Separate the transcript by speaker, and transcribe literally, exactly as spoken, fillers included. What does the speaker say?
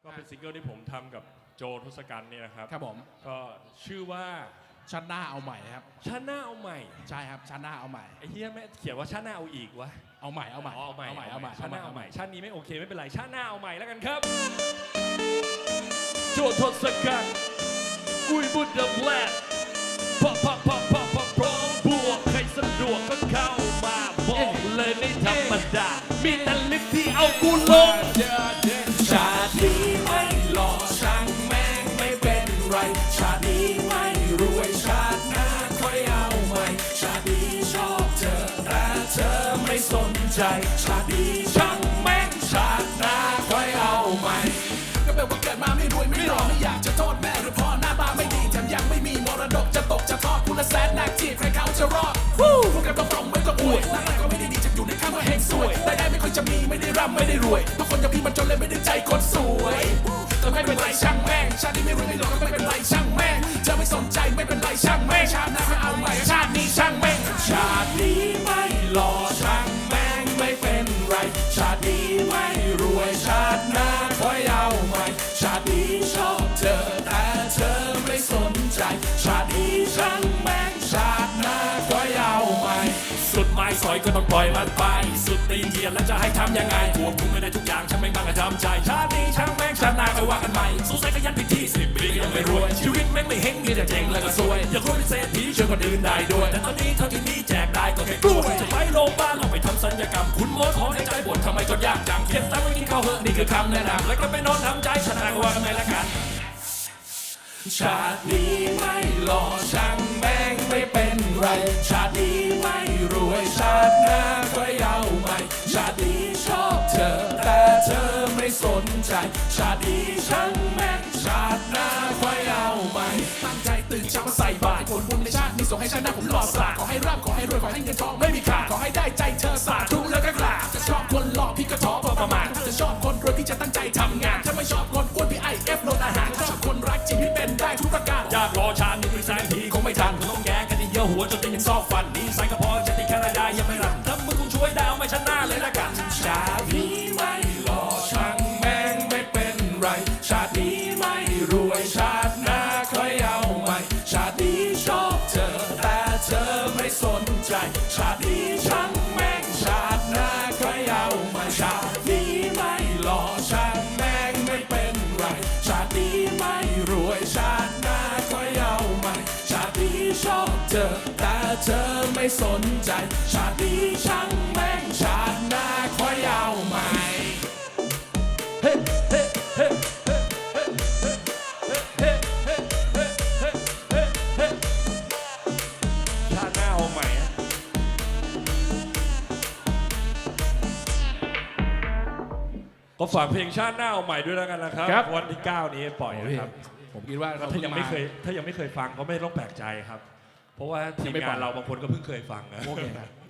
Speaker 1: ก็เป็นซิงเกิลที่ผมทำกับโจทศกัณฐ์เนี่ยนะครับ
Speaker 2: ครับผม
Speaker 1: ก็ชื่อว่า
Speaker 2: ชาติหน้าเอาใหม่ครับ
Speaker 1: ชาติหน้าเอาใหม่
Speaker 2: ใช่ครับชาติหน้าเอาใหม่
Speaker 1: ไอ้เหี้ยแม่เขียนว่าชาติหน้าเอาอีกวะ
Speaker 2: เอาใหม่เอาใหม่
Speaker 1: เอาใหม่
Speaker 2: เอาใหม่เอาใหม่
Speaker 1: ชาติหน้าเอาใหม่ชาตินี้ไม่โอเคไม่เป็นไรชาติหน้าเอาใหม่แล้วกันครับโจทศกัณฐ์อุ้ยบุญเดอะแบล็คพอพอพอพอพอพร้อมบวกใครสะดวกก็เข้ามาบอกเลยไม่ธรรมดามีแต่ลิฟที่เอากูลง
Speaker 3: ชาตินี้ไม่หล่อช่างแม่งไม่เป็นไรชาตินี้ไม่รวยชาติหน้าค่อยเอาใหม่ชาตินี้ชอบเธอแต่เธอไม่สนใจชาตินี้ช่างแม่งชาติหน้าค่อยเอาใหม่ก็แปลว่าเกิดมาไม่รวยไม่หล่อไม่อยากจะโทษแม่หรือพ่อหน้าตาไม่ดีแถมยังไม่มีมรดกจะตกจะทอดคุณละแสนนักจีบใครเขาจะรอดพูดกันตรงๆไม่ต้องอวยหน้าตาก็ไม่ได้ดีจะอยู่ในข้างว่าเฮงสวยแต่ได้ไม่ค่อยจะมีไม่ได้ร่ำไม่ได้รวยทุกคนอย่างพี่มันจนเลยไม่ได้ใจคนสวยแต่ไม่เป็นไรช่างแม่งชาตินี้ไม่รวยไม่หล่อก็ไม่เป็นไรช่างแม่งจะไม่สนใจไม่เป็นไรช่างแม่งชาติหน้าไม่เอาใหม่ชาตินี้ช่างแม่งชาตินี้ไม่หล่อช่างแม่งไม่เป็นไรชาตินี้ไม่รวยชาติหน้าค่อยเอาใหม่ชาตินี้ชอบเธอแต่เธอไม่สนใจชาตินี้ช่างแม่งชาติหน้าค่อยเอาใหม่สุดไม้สอยก็ต้องปล่อยมันไปสุดตีนเทียนแล้วจะให้ทำยังไงควบคุมไม่ได้ทุกอย่างฉันไม่บ้างก็ทำใจชาตินี้ช่างแม่งชาติหน้าค่อยว่ากันใหม่สู้ใส่ขยันพิธีสิบปียังไม่รวยชีวิตแม่งไม่เฮงมีแต่เจ๊งแล้วก็ซวยอยากรวยเป็นเศรษฐีช่วยคนอื่นได้ด้วยแต่ตอนนี้เท่าที่มีแจกได้ก็แค่กล้วยจะไปโรงพยาบาลต้องไปทำศัลยกรรมคุณหมอถอนหายใจบ่นทำไมจนยากจังเก็บตังค์ไว้กินข้าวเหอะนี่คือคำแนะนำแล้วก็ไปนอนทำใจชาติหน้าก็ว่ากันใหม่ละกันชาตินี้ไม่หล่อช่างแม่งไม่เป็นไรชาตินี้ไม่รวยชาติหน้าค่อยเอาใหม่ชาตินี้ชอบเธอแต่เธอไม่สนใจชาตินี้ช่างแม่งชาติหน้าค่อยเอาใหม่ตั้งใจตื่นเช้ามาใส่บาตรผลบุญในชาตินี้ส่งให้ชาติหน้าผมหล่อสาขอให้ร่ำขอให้รวยขอให้เงินทองไม่มีขาดขอให้ได้ใจเธอสาธุแล้วก็กราบจะชอบคนหล่อพี่ก็ท้อพอประมาณถ้าจะชอบคนรวยพี่จะตั้งใจทำงานถ้าไม่ชอบคนอ้วนพี่ไอเอฟลดอาหารชอบคนรักจริงพี่เป็นได้ทุกประการอยากรอชาตินี้คุยแสงทีคงไม่ทันคงต้องแย่กันที่เยอะหัวจนตียังซอกฟันนี่ใส่กระเพาะจะตีแค่รายได้ยังไม่รันถ้ามึงคงช่วยได้เอาไม่ชนะเลยละกันชาตินี้ไม่หล่อช่างแม่งไม่เป็นไรชาตินี้ไม่รวยชาติหน้าค่อยเอาใหม่ชาตินี้ชอบเธอแต่เธอไม่สนใจชาตินี้ช่างแม่งชาติหน้าค่อยเอาใหม่ชาตินี้ไม่หล่อช่างแม่งไม่เป็นไรชาตินี้ไม่รวยชาติหน้าค่อยเอาใหม่ชาตินี้ชอบเธอแต่เธอไม่สนใจชาตินี้ช่างแม่งชาติหน้าค่อยเอาใหม่เฮ้เฮ้เฮ้
Speaker 1: ชาติหน้าเอาใหม่ก็ฝากเพลงชาติหน้าเอาใหม่ด้วยแล้วกันนะครับวันที่เก้านี้ปล่อยนะครับ
Speaker 2: ผมคิดว่า
Speaker 1: ถ้ายังไม่เคยถ้ายังไม่เคยฟังก็ไม่ต้องแปลกใจครับเพราะว่าทีมงานเราบางคนก็เพิ่งเคยฟังนะ
Speaker 2: โอเคครับ